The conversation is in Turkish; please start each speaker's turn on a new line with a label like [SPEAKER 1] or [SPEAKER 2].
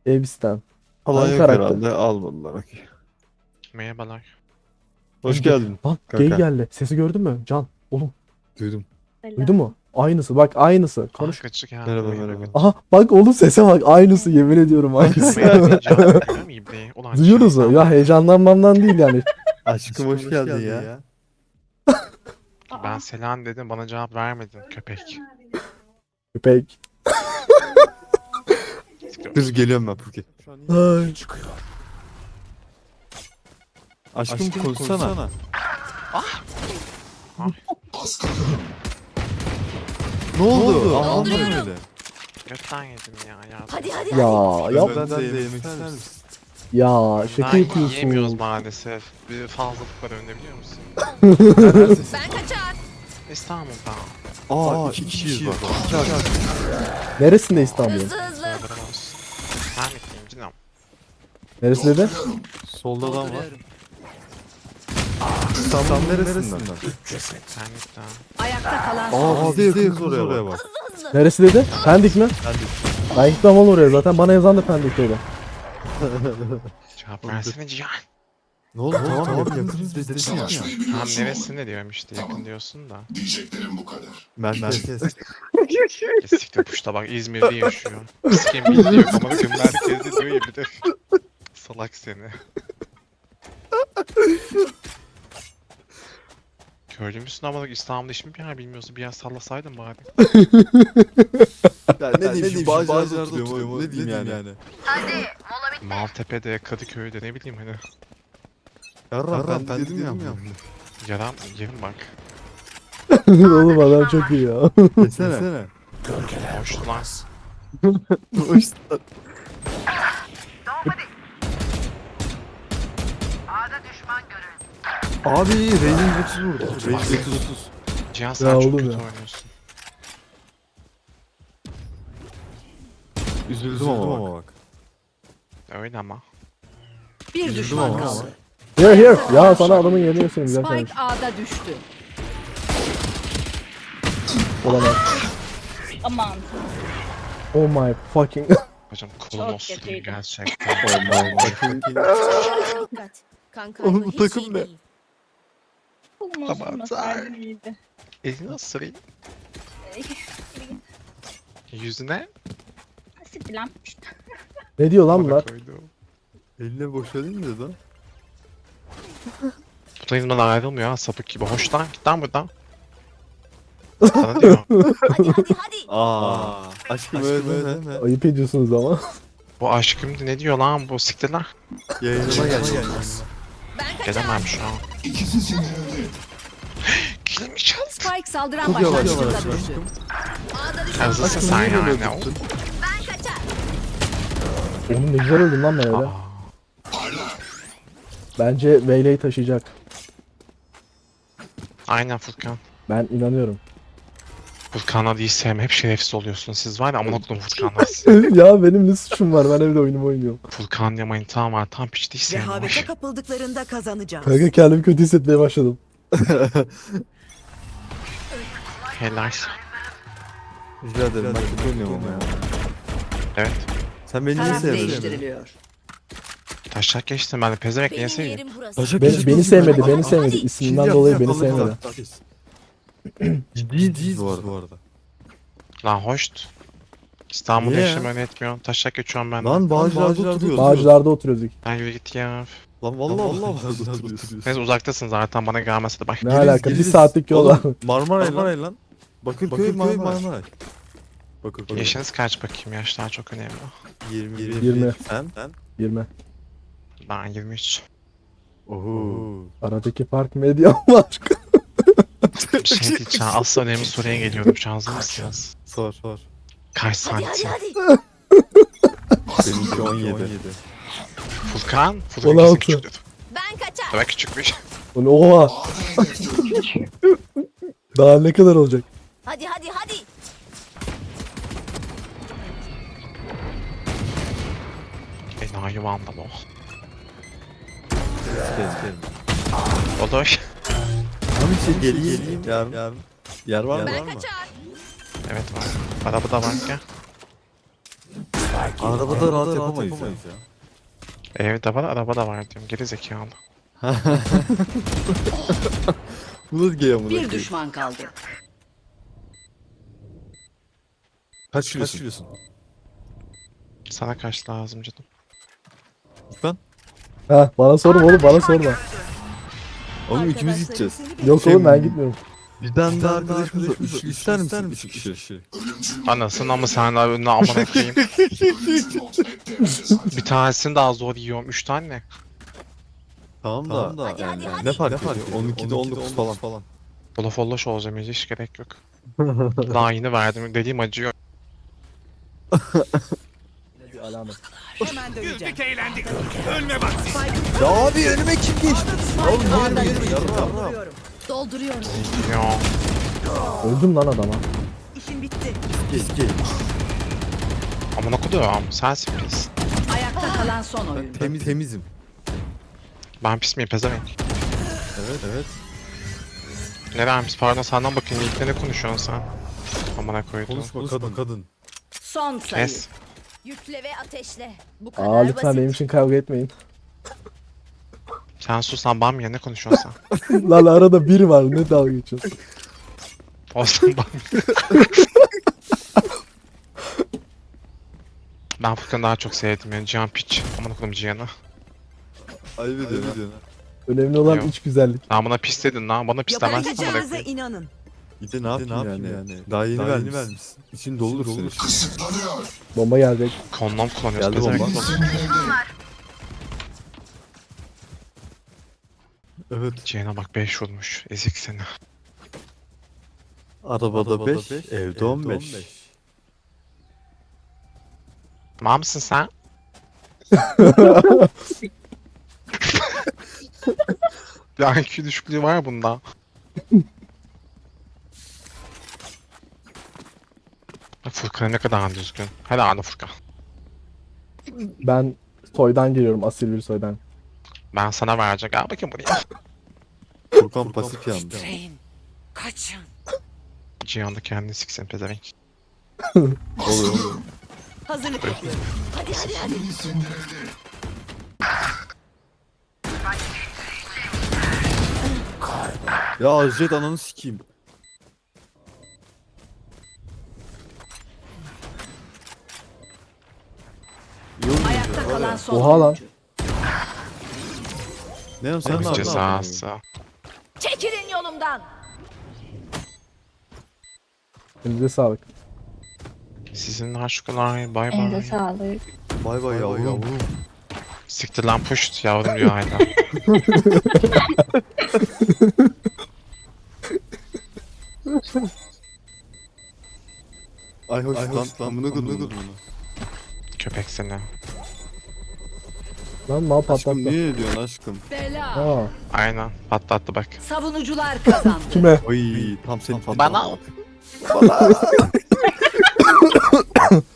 [SPEAKER 1] Elbistan.
[SPEAKER 2] Falan
[SPEAKER 1] Hangi
[SPEAKER 2] yok
[SPEAKER 1] karakter?
[SPEAKER 2] herhalde. Almadılar. Okey.
[SPEAKER 3] Merhabalar.
[SPEAKER 2] Hoş geldin.
[SPEAKER 1] Bak gay
[SPEAKER 2] Kanka.
[SPEAKER 1] geldi. Sesi gördün mü? Can. Oğlum.
[SPEAKER 2] Duydum.
[SPEAKER 1] Duydun mu? Aynısı. Bak aynısı. Konuş.
[SPEAKER 3] Kaçık ya.
[SPEAKER 2] Merhaba merhaba.
[SPEAKER 1] Aha bak oğlum sese bak. Aynısı yemin ediyorum aynısı. Duyuyoruz mu? Ya heyecanlanmamdan değil yani.
[SPEAKER 2] Aşkım hoş geldin ya.
[SPEAKER 3] Ben selam dedim bana cevap vermedin köpek.
[SPEAKER 1] Köpek.
[SPEAKER 2] Dur geliyorum ben Purki.
[SPEAKER 1] Ay.
[SPEAKER 2] Aşkım konuşsana. Ne oldu? Anlamadım öyle.
[SPEAKER 3] Götten yedim ya.
[SPEAKER 4] Hadi hadi
[SPEAKER 1] Ya
[SPEAKER 4] hadi.
[SPEAKER 1] yap.
[SPEAKER 2] Ben de yemek ister misin?
[SPEAKER 1] Ya şaka
[SPEAKER 3] Yiyemiyoruz
[SPEAKER 1] yapıyorsun.
[SPEAKER 3] maalesef. Bir fazlalık var önde biliyor musun?
[SPEAKER 4] Ben kaçar.
[SPEAKER 3] İstanbul'da.
[SPEAKER 2] Aa iki kişiyiz bak. İki aşk.
[SPEAKER 1] Neresinde İstanbul'un?
[SPEAKER 4] Hızlı hızlı.
[SPEAKER 3] Sağlarım olsun. Ben mitliyim canım.
[SPEAKER 1] Neresi dedi?
[SPEAKER 2] Solda adam var. İstanbul'un neresinden?
[SPEAKER 3] Sen mitli.
[SPEAKER 4] Ayakta kalan
[SPEAKER 2] Aa biz de yakınız oraya bak.
[SPEAKER 1] Neresi dedi? Pendik mi?
[SPEAKER 2] Ben de.
[SPEAKER 1] Ben gitmem oğlum oraya zaten. Bana yazan da Pendik'teydi.
[SPEAKER 3] Cevap versene Cihan.
[SPEAKER 2] Ne oldu? Tamam yakınız biz dedin ya.
[SPEAKER 3] Tam neresinde diyorum işte yakın diyorsun da.
[SPEAKER 5] Diyeceklerim bu kadar.
[SPEAKER 2] Merkez.
[SPEAKER 3] Kesiktir puşta bak İzmir'de yaşıyor. Pisken bildiği yok ama bakın merkezde diyor ya bir de. Salak seni. Köylü müsün ama bak İstanbul'da hiç mi bir yer bilmiyorsun? Bir yer sallasaydın bari.
[SPEAKER 2] Ya ne diyeyim şu Bağcılar'da oturuyorum. Ne diyeyim yani.
[SPEAKER 3] Maltepe'de, Kadıköy'de ne bileyim hani.
[SPEAKER 2] Yarram ben dedim ya.
[SPEAKER 3] Yaram yerim bak.
[SPEAKER 1] Oğlum adam çok iyi ya.
[SPEAKER 2] Desene.
[SPEAKER 3] Hoş lan.
[SPEAKER 2] Abi Rey'nin 30 vurdu. Rey'nin 30.
[SPEAKER 3] Cihan
[SPEAKER 1] Ya
[SPEAKER 3] sen çok
[SPEAKER 1] oğlum
[SPEAKER 3] kötü
[SPEAKER 1] ya.
[SPEAKER 3] oynuyorsun.
[SPEAKER 2] Üzüldüm ama bak.
[SPEAKER 3] Öyle ama.
[SPEAKER 4] bir
[SPEAKER 2] Üzüldüm
[SPEAKER 4] düşman
[SPEAKER 2] ama.
[SPEAKER 4] kaldı.
[SPEAKER 1] Here here. Ya sana adamın yerini göstereyim güzel kardeş.
[SPEAKER 4] Spike A'da düştü.
[SPEAKER 1] Olamaz.
[SPEAKER 6] Aman.
[SPEAKER 1] Oh my fucking.
[SPEAKER 3] Hocam kolum
[SPEAKER 6] Çok
[SPEAKER 3] olsun
[SPEAKER 6] kötüydü.
[SPEAKER 3] gerçekten.
[SPEAKER 4] Dikkat. Kanka
[SPEAKER 2] Oğlum bu
[SPEAKER 4] hiç
[SPEAKER 2] takım
[SPEAKER 4] iyi
[SPEAKER 2] ne?
[SPEAKER 4] değil.
[SPEAKER 6] Oğlum
[SPEAKER 3] Aman
[SPEAKER 6] olmasaydı iyiydi.
[SPEAKER 3] Elini ısırayım. Yüzüne.
[SPEAKER 6] Siktir lan.
[SPEAKER 1] Ne diyor lan
[SPEAKER 3] bana
[SPEAKER 1] bunlar?
[SPEAKER 3] koydum.
[SPEAKER 2] Eline boşalayım dedi lan.
[SPEAKER 3] Bu da elimden ayrılmıyor ha sapık gibi. Hoş lan git lan buradan. Sana diyor.
[SPEAKER 4] Hadi hadi hadi.
[SPEAKER 2] Aa. Aşkım öyle deme.
[SPEAKER 1] Ayıp ediyorsunuz ama.
[SPEAKER 3] Bu aşkım ne diyor lan bu siktir lan.
[SPEAKER 2] Yayınıma gel.
[SPEAKER 4] Ben kaçar.
[SPEAKER 3] Gelemem şu an.
[SPEAKER 5] İkisi sinirli.
[SPEAKER 3] Kilimi çal.
[SPEAKER 4] Spike saldıran
[SPEAKER 2] Çok yavaş
[SPEAKER 4] başlangıcında
[SPEAKER 2] yavaş
[SPEAKER 4] düştü.
[SPEAKER 2] aşkım.
[SPEAKER 4] A'da düşman
[SPEAKER 3] Hızlısın
[SPEAKER 2] Aşkım
[SPEAKER 3] sen
[SPEAKER 2] niye böyle
[SPEAKER 3] yani.
[SPEAKER 2] tuttun?
[SPEAKER 4] Ben kaçar.
[SPEAKER 1] Oğlum ne güzel öldüm lan ben öyle.
[SPEAKER 3] Aa,
[SPEAKER 1] Bence Veyle'yi taşıyacak.
[SPEAKER 3] aynen Furkan.
[SPEAKER 1] Ben inanıyorum.
[SPEAKER 3] Furkan'a değil sevme. Hep şerefsiz oluyorsunuz. Siz var ya amına koydum Furkan'la.
[SPEAKER 1] Ya benim ne suçum var? Ben evde oyunumu oynuyorum.
[SPEAKER 3] Furkan ya manitam var. Tam piç değil sevme.
[SPEAKER 4] Rehavete kapıldıklarında kazanacağız.
[SPEAKER 1] Kanka kendimi kötü hissetmeye başladım.
[SPEAKER 3] Helal.
[SPEAKER 2] Rica ederim ben kötü oynuyorum ama ya.
[SPEAKER 3] Evet.
[SPEAKER 2] Sen beni niye
[SPEAKER 4] Taraf
[SPEAKER 2] sevmedin?
[SPEAKER 4] değiştiriliyor.
[SPEAKER 3] Taşak geçtim ben de pezevenk niye
[SPEAKER 4] Benim
[SPEAKER 3] sevdim?
[SPEAKER 4] yerim burası.
[SPEAKER 2] Taşak
[SPEAKER 1] Beni,
[SPEAKER 2] geçti
[SPEAKER 1] beni
[SPEAKER 2] olsun
[SPEAKER 1] sevmedi,
[SPEAKER 2] ya.
[SPEAKER 1] beni sevmedi.
[SPEAKER 4] Hadi.
[SPEAKER 1] İsminden dolayı beni sevmedi.
[SPEAKER 2] Ciddiyiz bu arada.
[SPEAKER 3] Lan hoşt. İstanbul'da
[SPEAKER 2] Niye ya?
[SPEAKER 3] yaşamayı etmiyorum. Taşak geçiyorum ben de.
[SPEAKER 2] Lan Bağcılar'da oturuyoruz.
[SPEAKER 1] Bağcılar'da oturuyoruz.
[SPEAKER 3] Lan yürü git ya.
[SPEAKER 2] Lan vallahi Bağcılar'da oturuyoruz.
[SPEAKER 3] Neyse uzaktasın zaten bana gelmese de bak.
[SPEAKER 1] Ne alaka? Bir saatlik yol var.
[SPEAKER 2] Oğlum, Marmaray lan. Bakırköy Marmaray. Bakırköy.
[SPEAKER 3] Yaşınız kaç bakayım? Yaşlar çok önemli.
[SPEAKER 2] 20.
[SPEAKER 1] 20.
[SPEAKER 2] Sen?
[SPEAKER 1] 20.
[SPEAKER 3] Ben 23.
[SPEAKER 2] Oho.
[SPEAKER 1] Aradaki fark medya var.
[SPEAKER 3] Bir şey diyeceğim. Asıl önemli soruya geliyorum. Şu an hazır mısınız?
[SPEAKER 2] Sor.
[SPEAKER 3] Kaç
[SPEAKER 4] Hadi hadi
[SPEAKER 3] santim?
[SPEAKER 4] hadi.
[SPEAKER 2] Benimki 17.
[SPEAKER 3] Furkan?
[SPEAKER 1] 16.
[SPEAKER 3] Furkan küçük dedi.
[SPEAKER 4] Ben kaçar.
[SPEAKER 3] Demek küçükmüş.
[SPEAKER 1] Oha. Daha ne kadar olacak?
[SPEAKER 4] Hadi hadi hadi.
[SPEAKER 3] Enayi vandal o.
[SPEAKER 2] Kes.
[SPEAKER 3] Olur.
[SPEAKER 2] Abi şey geleyim. Yarın. Yer var mı?
[SPEAKER 4] Ben kaçar.
[SPEAKER 3] Evet var. Araba da var gel.
[SPEAKER 2] Arabada rahat yapamayız ya.
[SPEAKER 3] Evde var, araba da var diyorum. Geri zekalı.
[SPEAKER 2] Bu da gay amına
[SPEAKER 4] Bir
[SPEAKER 2] koyayım.
[SPEAKER 4] düşman kaldı.
[SPEAKER 2] Kaç kilosun?
[SPEAKER 3] Sana kaç lazım canım?
[SPEAKER 2] Ben?
[SPEAKER 1] Ha bana sorma oğlum bana sorma.
[SPEAKER 2] Oğlum ikimiz gideceğiz.
[SPEAKER 1] Yok
[SPEAKER 2] Şey-
[SPEAKER 1] oğlum ben gitmiyorum.
[SPEAKER 2] Bizden de arkadaşımız var. İster misin? 3 kişi.
[SPEAKER 3] Anasını ama sen daha önüne amına koyayım. Bir tanesini daha zor yiyorum. 3 tane ne?
[SPEAKER 2] Tamam da
[SPEAKER 4] Hadi,
[SPEAKER 2] yani
[SPEAKER 4] hadi,
[SPEAKER 2] ne
[SPEAKER 4] hadi.
[SPEAKER 2] fark ediyor? 12'de 19 falan.
[SPEAKER 3] Bolofolloş olacağım hiç gerek yok. Daha yeni verdim. Dediğim acıyor.
[SPEAKER 1] Bir alamet.
[SPEAKER 4] Hemen döneceğim.
[SPEAKER 2] Ya abi önüme kim geçti? Oğlum yerime yarrağım.
[SPEAKER 4] Dolduruyorum. Dolduruyorum.
[SPEAKER 3] Ya.
[SPEAKER 1] Öldüm lan adama.
[SPEAKER 4] İşim bitti.
[SPEAKER 2] Eski.
[SPEAKER 3] Amına koyduğum. Sensin pis.
[SPEAKER 4] Ayakta kalan son oyun.
[SPEAKER 2] Temizim.
[SPEAKER 3] Ben pis miyim pezevenk?
[SPEAKER 2] Evet.
[SPEAKER 3] Neden pis? Pardon senden bakayım. İlk ne konuşuyorsun sen? Amına koydum.
[SPEAKER 2] Konuşma kadın.
[SPEAKER 4] Son sayı.
[SPEAKER 3] Kes.
[SPEAKER 4] Yükle ve ateşle. Bu kadar
[SPEAKER 1] Aa lütfen
[SPEAKER 4] basit.
[SPEAKER 1] benim için kavga etmeyin.
[SPEAKER 3] Sen sus lan bam ya ne konuşuyorsun sen?
[SPEAKER 1] Lan arada bir var ne dalga geçiyorsun.
[SPEAKER 3] Olsun bam. Ben Furkan'ı daha çok sevdim yani Cihan piç. Amına koydum Cihan'ı.
[SPEAKER 2] Ayıp ediyorsun.
[SPEAKER 1] Önemli olan
[SPEAKER 3] Yok.
[SPEAKER 1] iç güzellik.
[SPEAKER 3] Lan bana pis dedin lan. Bana pis demezsin amına
[SPEAKER 4] Yapabileceğinize
[SPEAKER 3] koyayım.
[SPEAKER 4] inanın.
[SPEAKER 2] Bir de ne yapayım yani? Daha yeni vermişsin. İçin doludur senin.
[SPEAKER 5] Kısıtlanıyor.
[SPEAKER 1] Bomba gelecek.
[SPEAKER 3] Kondom kullanıyoruz
[SPEAKER 2] Geldi bomba.
[SPEAKER 3] pezevenk.
[SPEAKER 2] Evet.
[SPEAKER 3] Cihan'a bak 5 vurmuş. Ezik seni.
[SPEAKER 2] Arabada 5, evde 15.
[SPEAKER 3] Mal mısın sen? Ya IQ düşüklüğü var ya bunda. Furkan ne kadar düzgün. Helal Furkan.
[SPEAKER 1] Ben soydan geliyorum asil bir soydan.
[SPEAKER 3] Ben sana vereceğim. Gel bakayım buraya.
[SPEAKER 2] Furkan pasif yandı.
[SPEAKER 4] Kaçın.
[SPEAKER 3] Cihan da kendini siksin pezevenk.
[SPEAKER 2] Oluyor.
[SPEAKER 4] Hazırlık yapıyorum. Hadi hadi hadi.
[SPEAKER 5] Sindirildi.
[SPEAKER 2] Ya Jet ananı sikeyim.
[SPEAKER 4] Ayakta kalan son
[SPEAKER 1] Oha lan.
[SPEAKER 4] oyuncu.
[SPEAKER 2] Ne yapayım sen
[SPEAKER 3] Onun
[SPEAKER 2] ne
[SPEAKER 3] cezası.
[SPEAKER 4] Çekilin yolumdan.
[SPEAKER 1] Elinize sağlık.
[SPEAKER 3] Sizin aşklar bay
[SPEAKER 6] Elinize
[SPEAKER 3] bay.
[SPEAKER 6] sağlık.
[SPEAKER 2] Bay bay yavrum.
[SPEAKER 3] Siktir lan puşt yavrum diyor hala.
[SPEAKER 2] Ay hoş lan amına kodum.
[SPEAKER 3] Köpek seni.
[SPEAKER 1] Lan mal
[SPEAKER 2] Aşkım
[SPEAKER 1] patlattı.
[SPEAKER 2] niye diyorsun aşkım?
[SPEAKER 4] Bela.
[SPEAKER 1] Aa,
[SPEAKER 3] Aynen patlattı bak.
[SPEAKER 4] Savunucular kazandı.
[SPEAKER 1] kime?
[SPEAKER 2] Oy tam senin
[SPEAKER 3] Bana.